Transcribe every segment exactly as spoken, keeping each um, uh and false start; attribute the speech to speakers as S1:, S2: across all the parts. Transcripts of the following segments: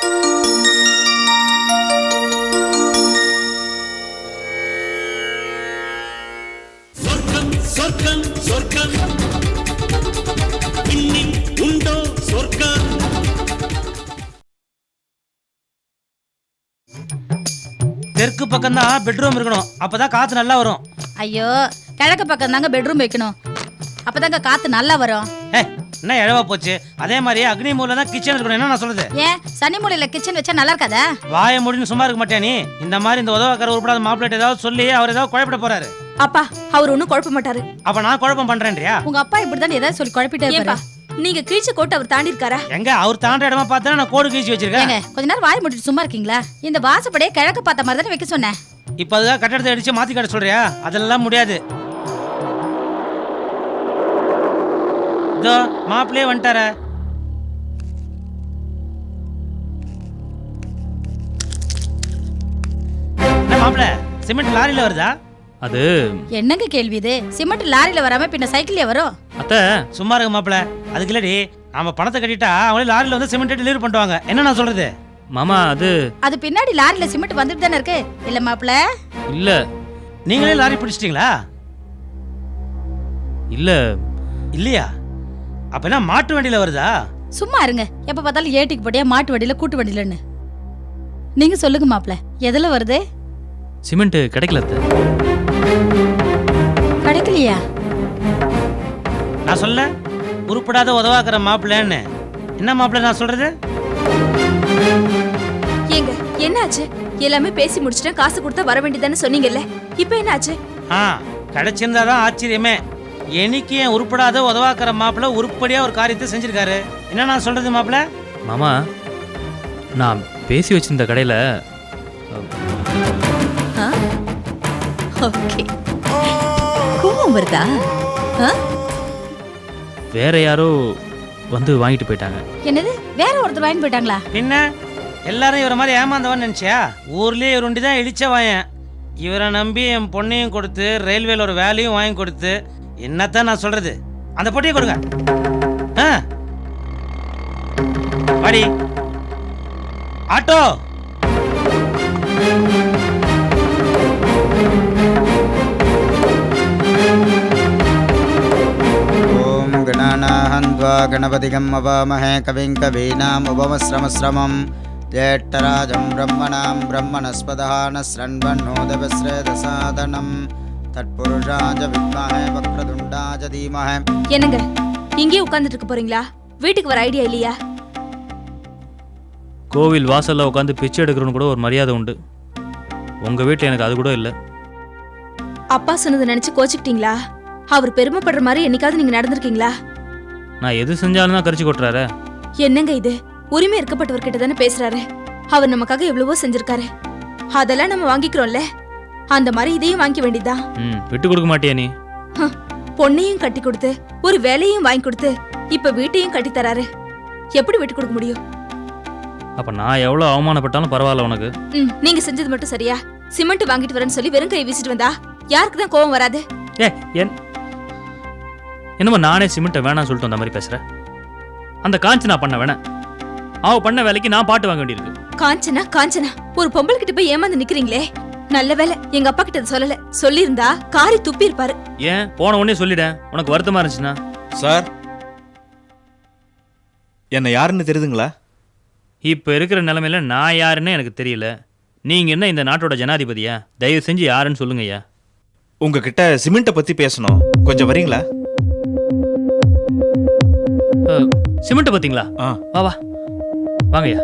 S1: சொர்க்கம் சொர்க்கம் இன்னி உண்டோ சொர்க்கம்.
S2: தெற்கு பக்கம் தான் பெட்ரூம் இருக்கணும், அப்பதான் காத்து நல்லா வரும்.
S3: ஐயோ, கிழக்கு பக்கம் தாங்க பெட்ரூம் வைக்கணும், அப்பதாங்க காத்து நல்லா வரும்.
S2: என்ன எழவா போச்சு? அதே மாதிரி அக்னி மூலையில தான் கிச்சன் இருக்கணும். என்ன நான் சொல்றது?
S3: ஏன் சனி மூலையில கிச்சன் வச்சா நல்லா இருக்காதா?
S2: வாய முடின்னு சும்மா இருக்க மாட்டேன் நீ. இந்த மாதிரி இந்த உதவக்கார உருப்படாத மாப்பிள்ளை ஏதாவது சொல்லி அவர் ஏதாவது குழப்பிட போறாரு.
S4: அப்பா அவர் ஒன்னும் குழப்ப மாட்டாரு.
S2: அப்ப நான் குழப்பம் பண்றேன்றியா?
S3: உங்க அப்பா இப்படிதான் ஏதாவது சொல்லி குழப்பிட்டே இருப்பாரு.
S4: நீங்க கீழ்ச்ச கோட்டை அவர் தாண்டி இருக்காரா?
S2: எங்க அவர் தாண்ட இடமா பார்த்தா நான் கோடு கீழ்ச்சி வச்சிருக்கேன்.
S3: கொஞ்ச நேரம் வாய் முடிட்டு சும்மா இருக்கீங்களா? இந்த வாசப்படியே கிழக்கு பார்த்த மாதிரி தானே வைக்க சொன்னேன்.
S2: இப்ப அதுதான் கட்டடத்தை அடிச்சு மாத்தி கட்ட சொல்றியா? அதெல்லாம் முடியாது. இதோ மாப்பிள்ளையே வந்துட்டார. மாப்பிள்ள சிமெண்ட் லாரியில வருதா?
S5: அது
S3: என்னங்க கேள்வி இது? சிமெண்ட் லாரியில வராம பின்ன சைக்கிள்ல வரும்.
S5: அத்த
S2: சும்மா இருக்க மாப்பிள்ள. அதுக்கு இல்லடி, நாம பணத்தை கட்டிட்டா அவங்களே லாரியில வந்து சிமெண்ட் டெலிவரி பண்ணுவாங்க. என்ன நான் சொல்றது?
S5: மாமா அது
S3: அது பின்னாடி லாரியில சிமெண்ட் வந்துட்டு தானே இருக்கு. இல்ல மாப்பிள்ள?
S5: இல்ல.
S2: நீங்களே லாரி பிடிச்சிட்டீங்களா?
S5: இல்ல.
S2: இல்லையா? அப்ப என்ன மாட்டு வண்டியில வருதா?
S3: சும்மா இருங்க. எப்ப பார்த்தாலும் ஏட்டிக்கு போட்டியா மாட்டு வண்டியில கூட்டு வண்டியிலன்னு. நீங்க சொல்லுங்க மாப்பிள்ள, எதுல வருது?
S5: சிமெண்ட் கிடைக்கல அத்த.
S3: கிடைக்கலையா?
S2: நான் சொல்ல உருப்படாத உதவாக்குற மாப்பிள்ளன்னு. என்ன மாப்பிள்ள நான் சொல்றது?
S4: ஏங்க என்னாச்சு? எல்லாமே பேசி முடிச்சிட்டேன், காசு கொடுத்தா வர வேண்டியதானே சொன்னீங்கல்ல, இப்போ என்னாச்சு?
S2: ஆ, கிடைச்சிருந்தாதான் ஆச்சரியமே. எனக்கு என் உருப்படாத உதவாக்குற மாப்பிள்ள உருப்படியா ஒரு காரியத்தை செஞ்சிருக்காரு. என்ன நான் சொல்றது மாப்பிள்ள?
S5: மாமா நான் பேசி வச்சிருந்த கடையில
S3: ஓகே. கோவம் வருதா?
S5: வேற யாரோ வந்து வாங்கிட்டு போயிட்டாங்க.
S3: என்னது? வேற ஒருத்தர் வாங்கி போயிட்டாங்களா?
S2: பின்ன எல்லாரும் இவரை மாதிரி ஏமாந்தவன் நினைச்சியா? ஊர்லயே இவர் ஒண்டி தான் இழிச்ச வாயன். இவரை நம்பி என் பொண்ணையும் கொடுத்து ரயில்வேல ஒரு வேலையும் வாங்கி கொடுத்து என்னத்தான் நான் சொல்றது? அந்த பொட்டியை கொடுங்க. வாடி ஆட்டோ.
S6: ஓம் கணாநாஹந்த்வா கணபதிகம் அவாமஹே கவிங் கவீனாம் உபமஸ்ரமஸ்ரமம் ஜேஷ்டராஜம் பிரம்மணாம் பிரம்மணஸ்பதஹான ஸ்ரண்வன்னோதவஸ்ரேதசாதனம் தத்புருஷாஜ வித்மஹே வக்ரதுண்டாஜ தீமஹே.
S4: என்னங்க இங்கே உட்கார்ந்துட்டு இருக்க போறீங்களா? வீட்டுக்கு வர ஐடியா இல்லையா?
S5: கோவில் வாசல்ல உட்காந்து பிச்சை எடுக்கிறவனு கூட ஒரு மரியாதை உண்டு. உங்க வீட்டில் எனக்கு அது கூட இல்லை.
S4: அப்பா சொன்னதை நினைச்சு கோச்சிக்கிட்டீங்களா? அவர் பெருமைப்படுற மாதிரி என்னைக்காவது நீங்க நடந்திருக்கீங்களா?
S5: நான் எது செஞ்சாலும் தான் கரிச்சு கொட்டுறாரு.
S4: என்னங்க இது? உரிமை இருக்கப்பட்டவர்கிட்ட தானே பேசுறாரு. அவர் நமக்காக எவ்வளவோ செஞ்சிருக்காரு, அதெல்லாம் நம்ம வாங்கிக்கிறோம்ல. அந்த மாதிரி இதையும் வாங்கிக்க வேண்டியதுதான்.
S5: ம், விட்டு கொடுக்க மாட்டியா நீ?
S4: பொண்ணையும் கட்டி கொடுத்து ஒரு வேலையும் வாங்கி கொடுத்து இப்ப வீட்டையும் கட்டி தராரு. எப்படி விட்டு கொடுக்க முடியும்?
S5: அப்ப நான் எவ்வளவு அவமானப்பட்டாலும் பரவாயில்ல உனக்கு.
S4: ம், நீங்க செஞ்சது மட்டும் சரியா? சிமெண்ட் வாங்கிட்டு வரேன்னு சொல்லி வெறும் கை வீசிட்டு வந்தா யாருக்கு தான் கோவம் வராது?
S5: ஏ என் என்னமோ நானே சிமெண்ட்டை வேணாம் சொல்லிட்டு அந்த மாதிரி பேசுற. அந்த காஞ்சனா பண்ண வேணாம், அவ பண்ண வேலைக்கு நான் பாட்டு வாங்க வேண்டியிருக்கு.
S4: காஞ்சனா காஞ்சனா ஒரு பொம்பளை கிட்ட போய் ஏமாந்து நிக்கிறீங்களே. நல்ல வேலை எங்க அப்பா கிட்ட சொல்லல, சொல்லியிருந்தா காரி துப்பி இருப்பாரு.
S5: ஏன் போன உடனே சொல்லிட்டேன், உனக்கு வருத்தமா இருந்துச்சுன்னா.
S7: சார், என்ன யாருன்னு தெரியுதுங்களா?
S5: இப்ப இருக்கிற நிலைமையில நான் யாருன்னு எனக்கு தெரியல. நீங்க என்ன இந்த நாட்டோட ஜனாதிபதியா? தயவு செஞ்சு யாருன்னு சொல்லுங்க ஐயா.
S7: உங்ககிட்ட சிமெண்ட்டை பத்தி பேசணும், கொஞ்சம் வரீங்களா?
S5: சிமெண்ட் பாத்தீங்களா? வா வா வாங்கய்யா.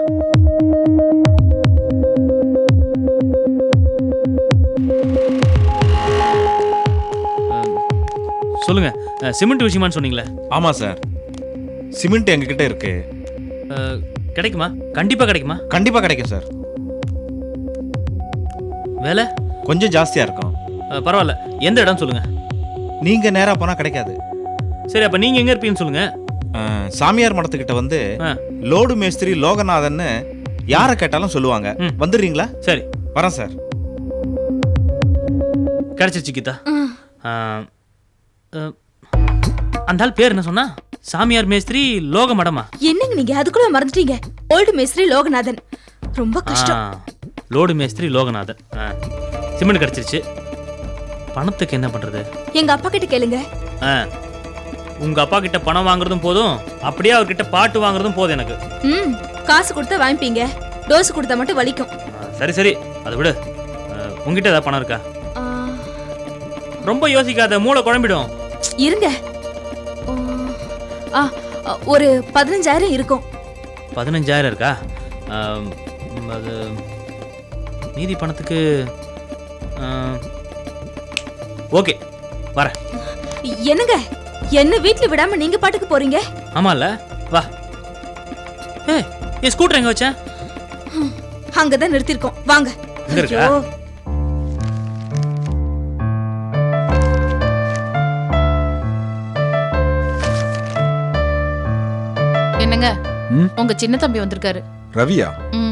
S5: சொல்லுங்க, சிமெண்ட் விஷயமான்னு சொன்னீங்களே?
S7: ஆமா சார், சிமெண்ட் எங்ககிட்ட இருக்கு.
S5: கிடைக்குமா? கண்டிப்பா கிடைக்குமா?
S7: கண்டிப்பா கிடைக்கும் சார்.
S5: வேலை
S7: கொஞ்சம் ஜாஸ்தியா இருக்கும்.
S5: பரவாயில்ல, எந்த இடம் சொல்லுங்க.
S7: நீங்க நேரா போனா கிடைக்காது.
S5: சரி, அப்ப நீங்க எங்க இருப்பீங்கன்னு சொல்லுங்க.
S7: சாமியார் மடத்துக்கிட்ட வந்து லோடு மேஸ்திரி லோகநாதன்னு யாரை கேட்டாலும் சொல்லுவாங்க. வந்துடுறீங்களா?
S5: சரி
S7: வரேன் சார்.
S5: கிடைச்சிருச்சு கீதா. அந்த ஆள் பேர் என்ன சொன்னா? சாமியார் மேஸ்திரி லோக மடமா?
S4: என்னங்க நீங்க அதுக்குள்ள மறந்துட்டீங்க. ஓல்டு மேஸ்திரி லோகநாதன். ரொம்ப கஷ்டம்.
S5: ஆ, லோடு மேஸ்திரி லோகநாதன். ஆ, சிமெண்ட் கிடைச்சிருச்சு. பணத்துக்கு என்ன பண்றது?
S4: எங்க அப்பா கிட்ட கேளுங்க.
S5: ஆ, உங்க அப்பா கிட்ட பணம் வாங்குறதும் போதும், அப்படியே அவர்கிட்ட பாட்டு வாங்குறதும் போதும் எனக்கு.
S4: ம் காசு கொடுத்தா வாங்கிப்பீங்க, டோஸ் கொடுத்தா மட்டும் வலிக்கும்.
S5: ஆ, சரி சரி அதை விடு. ஆ, உங்ககிட்ட ஏதாவது பணம் இருக்கா?
S4: ஆ,
S5: ரொம்ப யோசிக்காத, மூளை குழம்பிடும்.
S4: இருங்க. ஆ, ஆ, ஒரு பதினஞ்சாயிரம் இருக்கும்.
S5: பதினஞ்சாயிரம் இருக்கா? ஆம், அது மீதி பணத்துக்கு ஓகே வரேன்.
S4: என்னங்க என்ன வீட்ல விடாம நீங்க பாட்டுக்கு போறீங்க?
S5: ஆமால, வா. ஏய், என் ஸ்கூட்டர் எங்க வச்சேன்?
S4: அங்கதான் நிறுத்திருக்கோம், வாங்க.
S5: எங்க இருக்கா?
S4: ஐயோ.
S3: என்னங்க
S8: ம்?
S3: உங்க சின்ன தம்பி வந்திருக்காரு.
S8: ரவியா?
S3: ம்.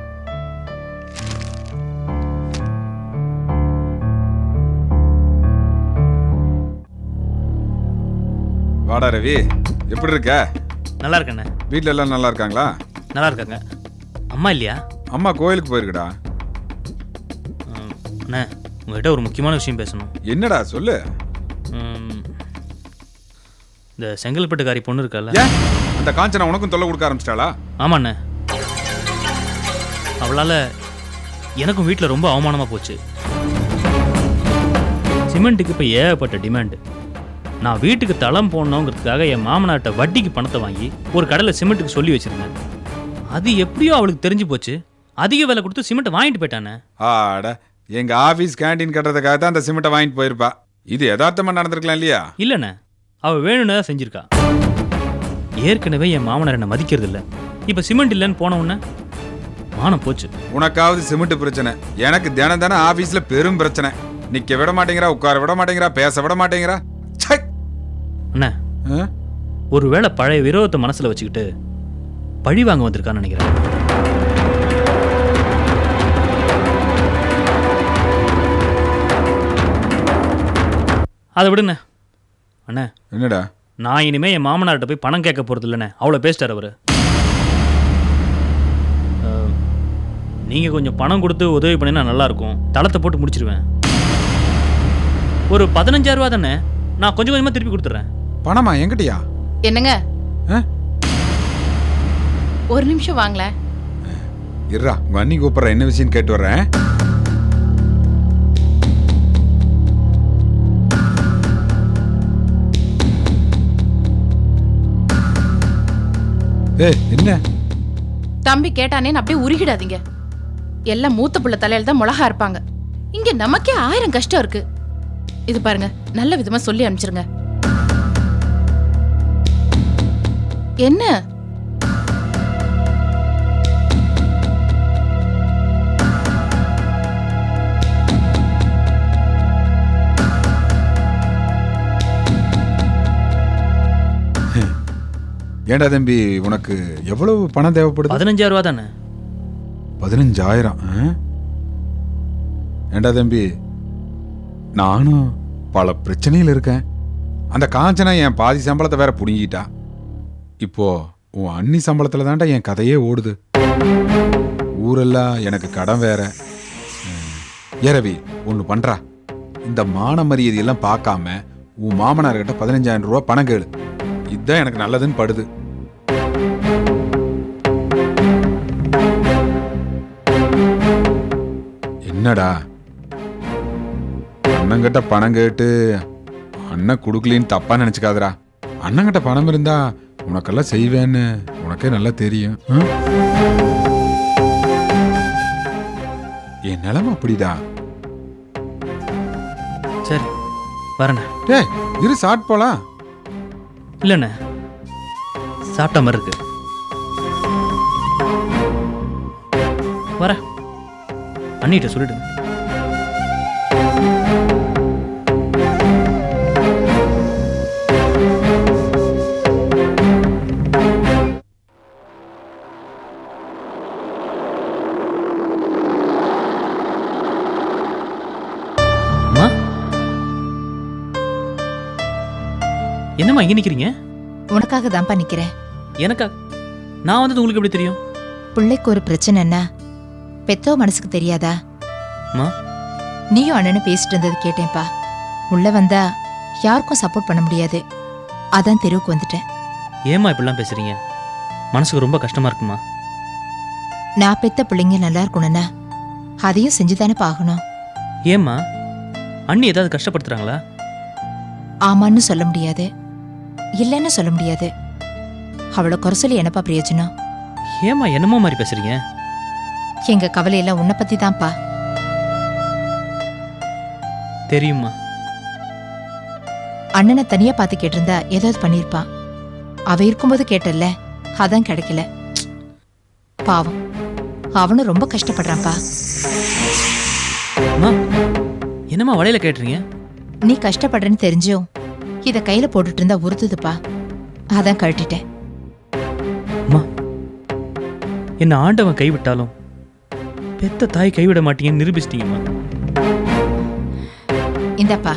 S8: வாடா ரவி, எப்படி இருக்க?
S5: நல்லா இருக்கண்ணே.
S8: வீட்ல எல்லாம் நல்லா இருக்காங்களா?
S5: நல்லா இருக்காங்க. அம்மா இல்லையா?
S8: அம்மா கோயிலுக்கு போயிருக்கடா.
S5: ஆம், அண்ணே உங்ககிட்ட ஒரு முக்கியமான விஷயம் பேசணும்.
S8: என்னடா சொல்லு.
S5: ம், இந்த செங்கல்பட்டுக்காரி பொண்ணு இருக்கல்ல?
S8: ஏன் அந்த காஞ்சனா உனக்கும் தொல்லை கொடுக்க ஆரம்பிச்சிட்டாளா?
S5: ஆமாண்ணே, அவளால் எனக்கும் வீட்டில் ரொம்ப அவமானமாக போச்சு. சிமெண்ட்டுக்கு இப்போ ஏகப்பட்ட டிமாண்டு. நான் வீட்டுக்கு தளம் போடணுங்கிறதுக்காக என் மாமனார்ட்ட வட்டிக்கு பணத்தை வாங்கி ஒரு கடையில் சிமெண்ட்டுக்கு சொல்லி வச்சிருந்தேன். அது எப்படியோ அவளுக்கு தெரிஞ்சு போச்சு. அதிக விலை கொடுத்து சிமெண்ட்டை வாங்கிட்டு போயிட்டானே.
S8: ஆட, எங்க ஆபீஸ் கேண்டீன் கட்டுறதுக்காக தான் அந்த சிமெண்ட்டை வாங்கிட்டு போயிருப்பா. இது யதார்த்தமா நடந்திருக்கலாம் இல்லையா?
S5: இல்லைண்ணே, அவள் வேணும்னு தான் செஞ்சிருக்கா. ஏற்கனவே என் மாமனார் என்னை மதிக்கிறது இல்லை. இப்போ சிமெண்ட் இல்லைன்னு போன உடனே மானம் போச்சு.
S8: உனக்காவது சிமெண்ட் பிரச்சனை, எனக்கு தினம் தினம் ஆபீஸ்ல பெரும் பிரச்சனை. நிக்க விட மாட்டேங்கிறா, உட்கார விட மாட்டேங்கிறா, பேச விட மாட்டேங்கிறா. ச்சை!
S5: அண்ணே,
S8: ஆ?
S5: ஒருவேளை பழைய விரோதத்தை மனசுல வச்சுக்கிட்டு பழி வாங்க வந்திருக்கான்னு நினைக்கிறேன். அதை விடுண்ணே. அண்ணே,
S8: என்னடா?
S5: நான் இனிமே என் மாமனார்கிட்ட போய் பணம் கேட்க போறது இல்லைண்ணே. அவ்வளோ பேசிட்டார் அவரு. அஹ், நீங்க கொஞ்சம் பணம் கொடுத்து உதவி பண்ணினா நல்லா இருக்கும். தளத்தை போட்டு முடிச்சிருவேன். ஒரு பதினஞ்சாயிரம் ரூபா தானே, நான் கொஞ்சம் கொஞ்சமா திருப்பி கொடுத்துட்றேன்.
S8: பணமா? எங்கிட்டயா?
S3: என்னங்க
S8: ஆ?
S3: ஒரு நிமிஷம் வாங்கல.
S8: இருடா, உங்க அண்ணி கூப்பிடுற, என்ன விஷயம் கேட்டு வர்றேன். ஏய், என்ன?
S3: தம்பி கேட்டானேன்னு அப்படியே உருகிடாதீங்க. எல்லாம் மூத்த புள்ள தலையில தான் மிளகா இருப்பாங்க. இங்க நமக்கே ஆயிரம் கஷ்டம் இருக்கு. இது பாருங்க, நல்ல விதமா சொல்லி அனுப்பிச்சிருங்க. என்ன
S8: ஏண்டா தம்பி, உனக்கு எவ்வளவு பணம் தேவைப்படுது?
S5: பதினஞ்சாயிரம் ரூபா தானே.
S8: பதினஞ்சாயிரம்? ஆ? ஏண்டா தம்பி, நானும் பல பிரச்சனையில் இருக்கேன். அந்த காஞ்சனா என் பாதி சம்பளத்தை வேற புடுங்கிட்டா. இப்போ உன் அண்ணி சம்பளத்துல தான்டா என் கதையே ஓடுது. ஊரெல்லாம் எனக்கு கடன் வேற. ஏ ரவி, ஒன்று பண்றா. இந்த மான மரியாதையெல்லாம் பார்க்காம உன் மாமனார்கிட்ட பதினஞ்சாயிரம் ரூபா பணம் கேளு. இதுதான் எனக்கு நல்லதுன்னு படுது. என்னடா, அண்ணங்கிட்ட பணம் கேட்டு அண்ணன் குடுக்கலின்னு தப்பா நினைச்சுக்காதடா. அண்ணங்கிட்ட பணம் இருந்தா உனக்கெல்லாம் செய்வேன்னு உனக்கே நல்லா தெரியும். ம்? என் நிலைமை அப்படிடா.
S5: சரி வரேண்ணே.
S8: டேய், இரு, சாட் போலாம்.
S5: இல்லைண்ணே, சாப்பிட்ட மாதிரி இருக்கு. வரேன், அண்ணிட்ட சொல்லிடுங்க. அம்மா, என்னம்மா இங்க நிக்கிறீங்க?
S9: உனக்காக தான்ப்பா நிக்கிறேன்.
S5: எனக்கா? நான் வந்தது உங்களுக்கு எப்படி தெரியும்?
S9: பிள்ளைக்கு ஒரு பிரச்சனைன்னா பெத்தோ மனசுக்கு தெரியாதா?
S5: அம்மா.
S9: நீயும் அண்ணனும் பேசிட்டு இருந்தது கேட்டேன்ப்பா. உள்ள வந்தா யாருக்கும் சப்போர்ட் பண்ண முடியாது, அதான் தெருவுக்கு வந்துட்டேன்.
S5: ஏம்மா இப்படிலாம் பேசுறீங்க? மனசுக்கு ரொம்ப கஷ்டமா இருக்குமா?
S9: நான் பெத்த பிள்ளைங்க நல்லா இருக்கணும்னா அதையும் செஞ்சுதானே பாகணும்.
S5: ஏம்மா, அண்ணி ஏதாவது கஷ்டப்படுத்துறாங்களா?
S9: ஆமான்னு சொல்ல முடியாது, இல்லைன்னு சொல்ல முடியாது. அவளை குறை சொல்லி என்னப்பா பிரயோஜனம்?
S5: ஏம்மா என்னமோ மாதிரி பேசுறீங்க?
S9: எங்க கவலையெல்லாம் உன்னை பத்தி தான்ப்பா.
S5: தெரியுமா?
S9: அண்ணனை தனியா பார்த்து கேட்டிருந்தா ஏதாவது பண்ணிருப்பான். அவ இருக்கும்போது கேட்டல்ல, அதான் கிடைக்கல. பாவம், அவனும் ரொம்ப கஷ்டப்படுறான்ப்பா.
S5: அம்மா, என்னம்மா வலையில கேட்டுறீங்க?
S9: நீ கஷ்டப்படுறேன்னு தெரிஞ்சும் இத கையில போட்டுட்டு இருந்தா உறுத்துதுப்பா, அதான் கழட்டிட்டேன்.
S5: அம்மா, என்ன ஆண்டவன் கைவிட்டாலும் பெத்த தாய் கைவிட மாட்டீங்கன்னு நிரூபிச்சிட்டீங்கம்மா.
S9: இந்தப்பா.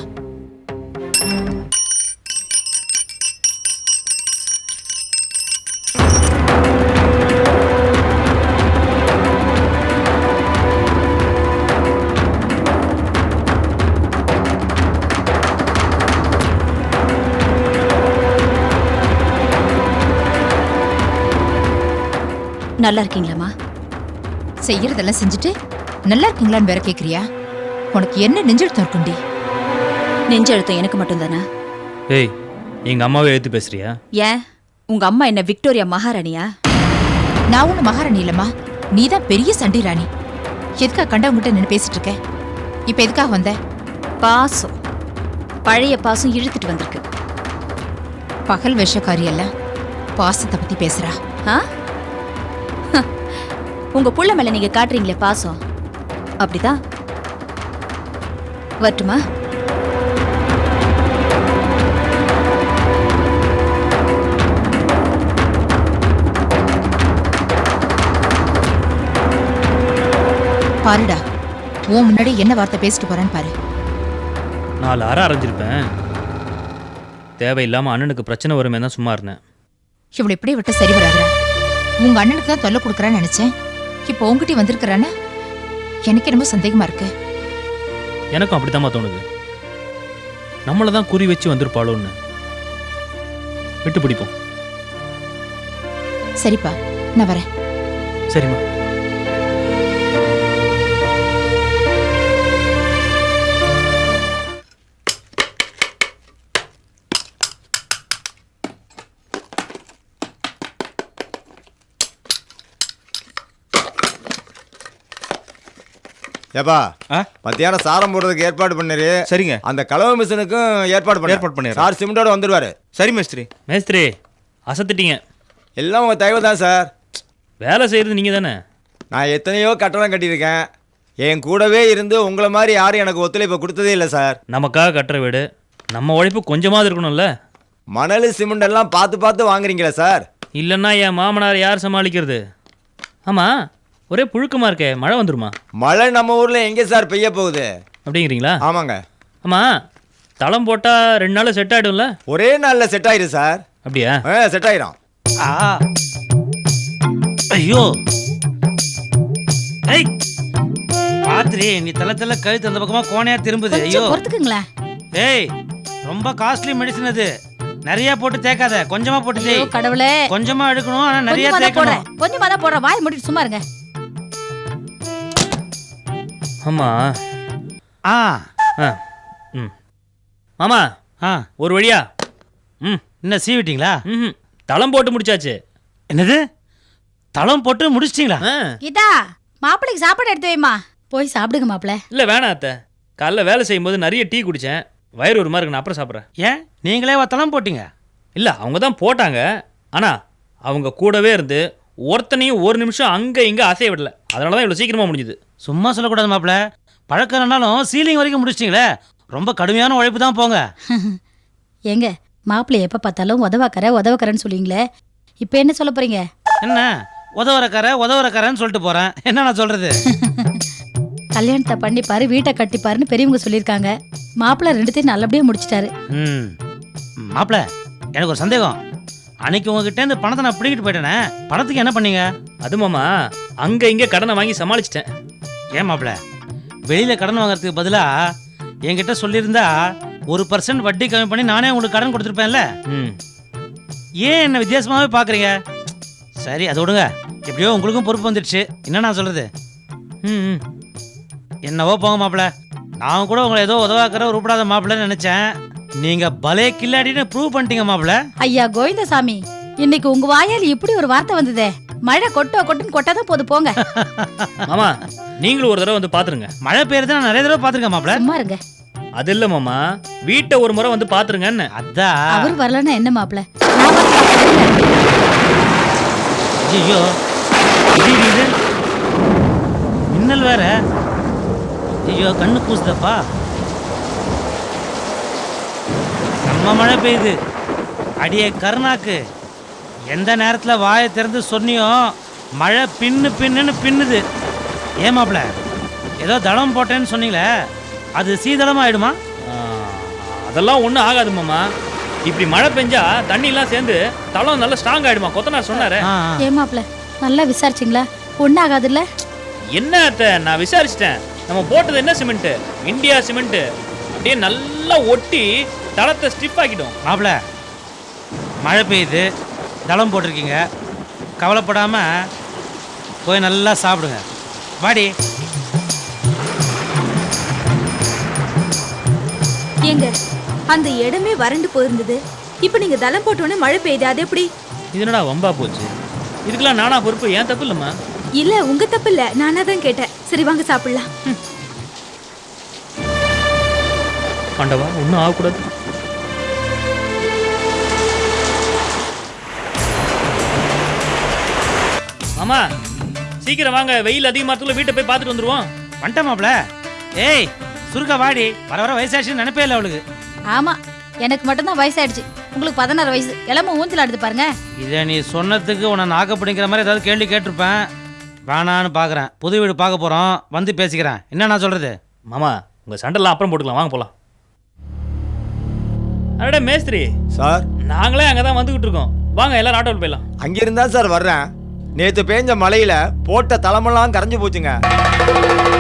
S4: நல்லா இருக்கீங்களாம்மா?
S9: செய்யறதெல்லாம் செஞ்சுட்டு நல்லா இருக்கீங்களான்னு வேற கேக்குறியா? உனக்கு என்ன நெஞ்செழுத்தம் இருக்குண்டி?
S4: நெஞ்செழுத்தம் எனக்கு மட்டும்தானா?
S5: ஏய், எங்க அம்மாவை எழுத்து பேசுறியா?
S4: ஏன் உங்க அம்மா என்ன விக்டோரியா மகாராணியா?
S9: நான் ஒண்ணு மகாராணி இல்லம்மா, நீதான் பெரிய சண்டி ராணி. எதுக்கா கண்டவங்கிட்ட நின்று பேசிட்டு இருக்க? இப்ப எதுக்காக வந்த?
S4: பாசம், பழைய பாசம் இழுத்துட்டு வந்திருக்கு.
S9: பகல் விஷக்காரி எல்லாம் பாசத்தை பத்தி பேசுறா.
S4: ஆ? உங்க புள்ள மேல நீங்க காட்டுறீங்களே பாசம், அப்படிதான். வரட்டுமா?
S9: பாருடா, உன் முன்னாடி என்ன வார்த்தை பேசிட்டு போறான்னு பாரு.
S5: நாலு அரை அரைஞ்சிருப்பேன். தேவையில்லாம அண்ணனுக்கு பிரச்சனை வருமே தான் சும்மா இருந்தேன்.
S9: இவளை இப்படி விட்டு சரி வராதுடா. உங்க அண்ணனுக்கு தான் தொல்லை கொடுக்குறான்னு நினைச்சேன். இப்போ உங்ககிட்ட வந்திருக்கிறானா? எனக்கு என்னமோ சந்தேகமா இருக்கு.
S5: எனக்கும் அப்படித்தாம்மா தோணுது. நம்மளை தான் குறி வச்சு வந்திருப்பாளோன்னு. விட்டு பிடிப்போம்.
S9: சரிப்பா, நான் வரேன்.
S5: சரிம்மா.
S6: ஏப்பா,
S7: ஆ?
S6: மத்தியானம் சாரம் போடுறதுக்கு ஏற்பாடு பண்ணிரு.
S7: சரிங்க.
S6: அந்த கலவை மிஷினுக்கும் ஏற்பாடு பண்ணு.
S7: ஏற்பாடு பண்ணிடுறேன்.
S6: சார் சிமெண்டோட வந்துடுவாரு.
S7: சரி மேஸ்திரி.
S5: மேஸ்திரி, அசத்திட்டீங்க.
S6: எல்லாம் உங்க தயவு தான் சார்.
S5: வேலை செய்யறது நீங்க தானே?
S6: நான் எத்தனையோ கட்டணம் கட்டியிருக்கேன். என் கூடவே இருந்து உங்களை மாதிரி யாரும் எனக்கு ஒத்துழைப்பு கொடுத்ததே இல்லை சார்.
S5: நமக்காக கட்டுற வீடு, நம்ம உழைப்பு கொஞ்சமாவது இருக்கணும்ல.
S6: மணல் சிமெண்ட் எல்லாம் பார்த்து பார்த்து வாங்குறீங்களா சார்?
S5: இல்லைன்னா என் மாமனார் யார் சமாளிக்கிறது? ஆமா, ஒரே புழுக்கமா இருக்கே, மழை வந்துருமா?
S6: மழை நம்ம ஊர்ல எங்கே சார் பெய்ய போகுது?
S5: அப்படிங்கிறீங்களா?
S6: ஆமாங்க.
S5: ஆமா, தளம் போட்டா ரெண்டு நாள் செட் ஆயிடும்ல?
S6: ஒரே நாள்ல செட் ஆயிரும் சார்.
S5: அப்படியா?
S6: செட் ஆயிரும்.
S2: ஆ, ஐயோ, ஐ பாத்திரி, நீ தலை தலை கழுத்து அந்த பக்கமா கோணையா திரும்புது. ஐயோ,
S4: பொறுத்துக்குங்களேன்.
S2: ஏய், ரொம்ப காஸ்ட்லி மெடிசன் அது. நிறைய போட்டு தேக்காத, கொஞ்சமா போட்டு தேய்.
S4: கடவுளே,
S2: கொஞ்சமா எடுக்கணும், ஆனா நிறைய
S4: கொஞ்சமா தான்
S2: தேக்கணும்.
S4: போடுறேன், கொஞ்சமா தான் போடுறேன். வாய் மூடிட்டு சும்மா இருங்க.
S5: ஆமா.
S2: ஆ
S5: ஆ, ம். மாமா,
S2: ஆ,
S5: ஒரு வழியா? ம்.
S2: என்ன சீவிட்டீங்களா?
S5: ம். தளம் போட்டு முடிச்சாச்சு.
S2: என்னது, தளம் போட்டு முடிச்சிட்டீங்களா?
S5: ஆ.
S4: கீதா, மாப்பிளைக்கு சாப்பாடு எடுத்து வைமா. போய் சாப்பிடுங்க மாப்பிள.
S5: இல்லை வேணாம் அத்தை, காலைல வேலை செய்யும்போது நிறைய டீ குடித்தேன், வயிறு ஒரு மாதிரி இருக்கு, நான் அப்புறம் சாப்பிட்றேன்.
S2: ஏன் நீங்களே தளம் போட்டீங்க?
S5: இல்லை, அவங்க தான் போட்டாங்க. ஆனால் அவங்க கூடவே இருந்து ஒருத்தனையும் ஒரு நிமிஷம் அங்கே இங்கே அசைய விடல. அதனால தான் இவ்வளோ சீக்கிரமாக முடிஞ்சுது.
S2: சும்மா சொல்லக்கூடாது மாப்பிள்ள, பழக்கம் இல்லைனாலும் சீலிங் வரைக்கும் முடிச்சிட்டிங்களே, ரொம்ப கடுமையான உழைப்பு தான் போங்க.
S4: ஏங்க, மாப்பிள்ளை எப்போ பார்த்தாலும் உதவாக்கற உதவக்கறன்னு சொல்லுவீங்களே, இப்போ என்ன சொல்ல போறீங்க?
S2: என்ன உதவுறக்கார உதவுறக்காரன்னு சொல்லிட்டு போறேன், என்ன நான் சொல்றது?
S4: கல்யாணத்தை பண்ணிப்பாரு, வீட்டை கட்டிப்பாருன்னு பெரியவங்க சொல்லியிருக்காங்க. மாப்பிள்ளை ரெண்டுத்தையும் நல்லபடியாக முடிச்சிட்டாரு.
S2: ம் மாப்பிள்ள, எனக்கு ஒரு சந்தேகம். அன்னைக்கு உங்ககிட்ட இந்த பணத்தை நான் பிடிக்கிட்டு போயிட்டேனே, பணத்துக்கு என்ன பண்ணீங்க?
S5: அது மாமா அங்க இங்க கடனை வாங்கி சமாளிச்சிட்டேன்.
S2: ஏன் மாப்ள, வெளியில கடன் வாங்குறதுக்கு பதிலா என்கிட்ட சொல்லியிருந்தா ஒரு பர்சன்ட் வட்டி கம்மி பண்ணி நானே உங்களுக்கு கடன் கொடுத்துருப்பேன்ல.
S5: ம்
S2: ஏன் என்ன வித்தியாசமாவே பாக்குறீங்க? சரி அதை விடுங்க, எப்படியோ உங்களுக்கும் பொறுப்பு வந்துடுச்சு. என்ன நான் சொல்றது?
S5: ம் ம்.
S2: என்னவோ போங்க மாப்பிள்ள. நான் கூட உங்களை ஏதோ உதவாக்கிற உருப்படாத மாப்பிள்ளன்னு நினைச்சேன். நீங்க பலே கில்லாடின்னு ப்ரூவ் பண்ணிட்டீங்க மாப்பிள்ள.
S10: ஐயா கோவிந்தசாமி, இன்னைக்கு உங்க வாயால் இப்படி ஒரு வார்த்தை வந்ததே. மழை கொட்டோ கொட்டுன்னு கொட்டாதான் போது போங்க.
S5: மாமா நீங்களும் ஒரு தடவை வந்து பாத்துருங்க.
S2: மழை பெய்யறது நான் நிறைய தடவை பாத்துருக்கேன் மாப்பிள்ள.
S10: சும்மா இருங்க.
S5: அது இல்ல மாமா, வீட்டை ஒரு முறை வந்து பாத்துருங்கன்னு.
S2: அதான்.
S10: அவர் வரலன்னா என்ன மாப்பிள்ள?
S2: ஐயோ இது மின்னல் வேற. ஐயோ கண்ணு கூசுதப்பா. நம்ம மழை பெய்யுது. அடியே கருணாக்கு, எந்த நேரத்தில் வாயை திறந்து சொன்னியோ மழை பின்னு பின்னுன்னு பின்னுது. ஏமாப்ல, ஏதோ தளம் போட்டேன்னு சொன்னீங்களே, அது சீதளம் ஆயிடுமா?
S5: ஆ, அதெல்லாம் ஒன்றும் ஆகாது மாமா. இப்படி மழை பெஞ்சா தண்ணி எல்லாம் சேர்ந்து தளம் நல்லா ஸ்ட்ராங் ஆயிடுமா, கொத்தனார் சொன்னாரு.
S2: ஆ, ஆ.
S10: ஏன் மாப்பிள்ள, நல்லா விசாரிச்சிங்களா? ஒன்னும் ஆகாதுல்ல?
S5: என்ன அத்தை, நான் விசாரிச்சிட்டேன். நம்ம போட்டது என்ன சிமெண்ட்? India cement. அப்படியே நல்லா ஒட்டி தளத்தை ஸ்டிப் ஆக்கிடும்.
S2: மாப்பிள, மழை பெய்யுது, தளம் போட்டிருக்கீங்க, கவலைப்படாம போய் நல்லா சாப்பிடுங்க. வாடி.
S4: ஏங்க, அந்த இடமே வறண்டு போயிருந்தது. இப்போ நீங்க தளம் போட்டோன்னே மழை பெய்யுது, அது எப்படி?
S5: இது என்னடா வம்பா போச்சு? இதுக்கெல்லாம் நானா பொறுப்பு? ஏன் தப்பு இல்லம்மா.
S4: இல்ல உங்க தப்பு இல்ல, நானா தான் கேட்டேன். சரி வாங்க சாப்பிடலாம்.
S5: ஆண்டவா, ஒன்றும் ஆகக்கூடாது. மாமா சீக்கிரம் வாங்க, வெயில் அதிகமாகத்துல வீட்டை போய் பார்த்துட்டு வந்துருவோம்.
S2: வந்துட்டேன் மாப்பிள. ஏய் சுருக்கா வாடி, வர வர வயசாச்சுன்னு நினைப்பே இல்லை அவளுக்கு.
S10: ஆமா, எனக்கு மட்டும்தான் வயசாயிடுச்சு. உங்களுக்கு பதினாறு வயசு. இளம ஊஞ்சல் ஆடுது பாருங்க.
S2: இதை நீ சொன்னதுக்கு உன்னை நாக்க பிடிக்கிற மாதிரி ஏதாவது கேள்வி கேட்டிருப்பேன். வேணான்னு பார்க்குறேன். புது வீடு பார்க்க போகிறோம், வந்து பேசிக்கிறேன். என்ன நான் சொல்கிறது?
S5: மாமா உங்கள் சண்டைலாம் அப்புறம் போட்டுக்கலாம், வாங்க போகலாம். அடடே மேஸ்திரி
S6: சார்,
S5: நாங்களே அங்கே தான் வந்துக்கிட்டு இருக்கோம். வாங்க எல்லாரும் ஆட்டோவில் போயிடலாம்.
S6: அங்கிருந்தா சார் வர்றேன். நேற்று பேஞ்ச மழையில போட்ட தலைமெல்லாம் கரைஞ்சு போச்சுங்க.